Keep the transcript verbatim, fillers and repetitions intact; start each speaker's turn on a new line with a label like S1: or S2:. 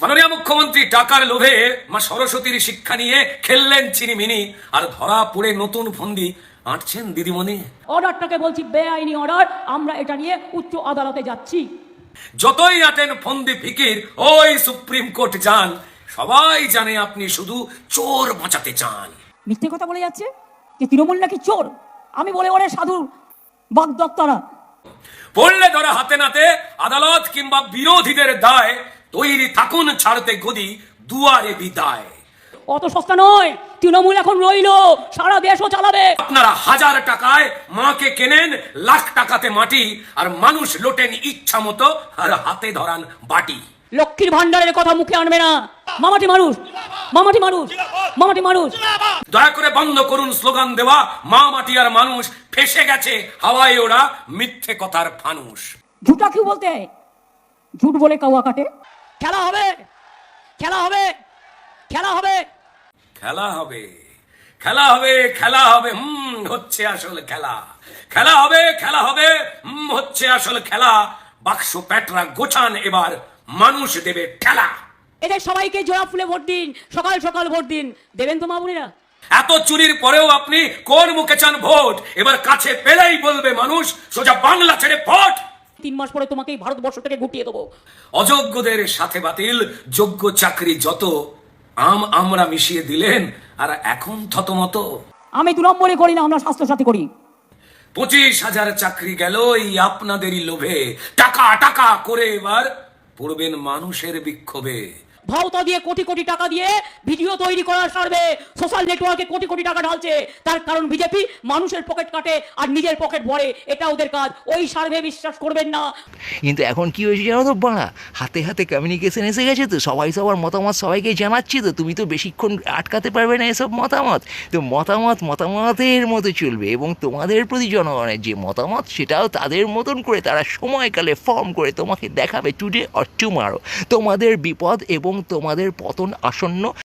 S1: মাননীয় মুখ্যমন্ত্রী টাকার লোভে মা সরস্বতীর শিক্ষা নিয়ে খেললেন চিনিমিনি, আর ধরা পড়ে নতুন ফন্দি আঁটছেন দিদিমণি।
S2: অর্ডারটাকে বলছি বেআইনি অর্ডার, আমরা এটা নিয়ে উচ্চ আদালতে যাচ্ছি।
S1: যতই আটেন ফন্দি ফিকির ওই সুপ্রিম কোর্ট যান, সবাই জানে আপনি শুধু চোর বাঁচাতে চান।
S2: মিথ্যে কথা বলে যাচ্ছে যে তৃণমূল নাকি চোর। আমি বলে ওরে সাধু বাগদত্তারা।
S1: পড়লে ধরা হাতে নাতে আদালত কিংবা বিরোধীদের দায়, তৈরি থাকুন ছাড়তে গদি দুয়ারে বিদায়।
S2: অত সস্তা নয়, তৃণমূল এখন রইলো, সারা দেশও চালাবে।
S1: আপনারা হাজার টাকায় মাকে কেনেন, লাখ টাকাতে মাটি, আর মানুষ লোটেন ইচ্ছা মতো, আর হাতে ধরান বাটি।
S2: লক্ষ্মীর ভান্ডারের কথা মুখে আনবে না। মামাটি মানুষ, মামাটি মানুষ, মামাটি মানুষ।
S1: দয়া করে বন্ধ করুন স্লোগান দেওয়া। মা মাটি আর মানুষ ফেসে গেছে হাওয়ায় ওরা মিথ্যে কথার ফানুষ।
S2: ঝুটা কি বলতে ঝুট বলে কাওয়া কাটে। খেলা হবে, খেলা হবে, খেলা হবে,
S1: খেলা হবে, খেলা হবে, খেলা হবে, হুম হচ্ছে আসল খেলা। খেলা হবে, খেলা হবে, হুম হচ্ছে আসল খেলা। বাক্স প্যাটরা গোছান, এবার মানুষ দেবে ঠেলা।
S2: এদের সবাইকে জোড়া ফুলে ভোট দিন, সকাল সকাল ভোট দিন। দেবেন তো মা বোনেরা?
S1: এত চুরির পরেও আপনি কোন মুখে চান ভোট? এবার কাছে পেলেই বলবে মানুষ সোজা বাংলা ছেড়ে ভোট।
S2: তিন মাস পরে তোমাকে এই ভারতবর্ষ থেকে গুটিয়ে দেবো।
S1: অযোগ্যদের সাথে বাতিল, যোগ্য চাকরি যত আম আমরা মিশিয়ে দিলেন, আর এখন থতমত।
S2: আমি দু নম্বরে করি না, আমরা স্বাস্থ্য সাথী করি।
S1: পঁচিশ হাজার চাকরি গেল এই আপনাদেরই লোভে। টাকা টাকা করে এবার পড়বেন মানুষের বিক্ষোভে।
S2: ভাওতা দিয়ে কোটি কোটি টাকা দিয়ে ভিডিও তৈরি করার সার্ভে সোশ্যাল নেটওয়ার্কে কোটি কোটি টাকা ঢালছে। তার কারণ বিজেপি মানুষের পকেট কাটে আর নিজের পকেট ভরে, এটা ওদের কাজ। ওই সার্ভে বিশ্বাস করবেন না।
S3: কিন্তু এখন কি হয়েছে জানো তো বাড়া, হাতে হাতে কমিউনিকেশন এসে গেছে তো, সবাই সবার মতামত সবাইকে জানাচ্ছি তো। তুমি তো বেশিক্ষণ আটকাতে পারবে না এসব মতামত। তো মতামত মতামতের মতো চলবে, এবং তোমাদের প্রতি জনগণের যে মতামত সেটাও তাদের মতন করে তারা সময়কালে ফর্ম করে তোমাকে দেখাবে টুডে অর টুমারো। তোমাদের বিপদ এবং তোমাদের পতন আসন্ন।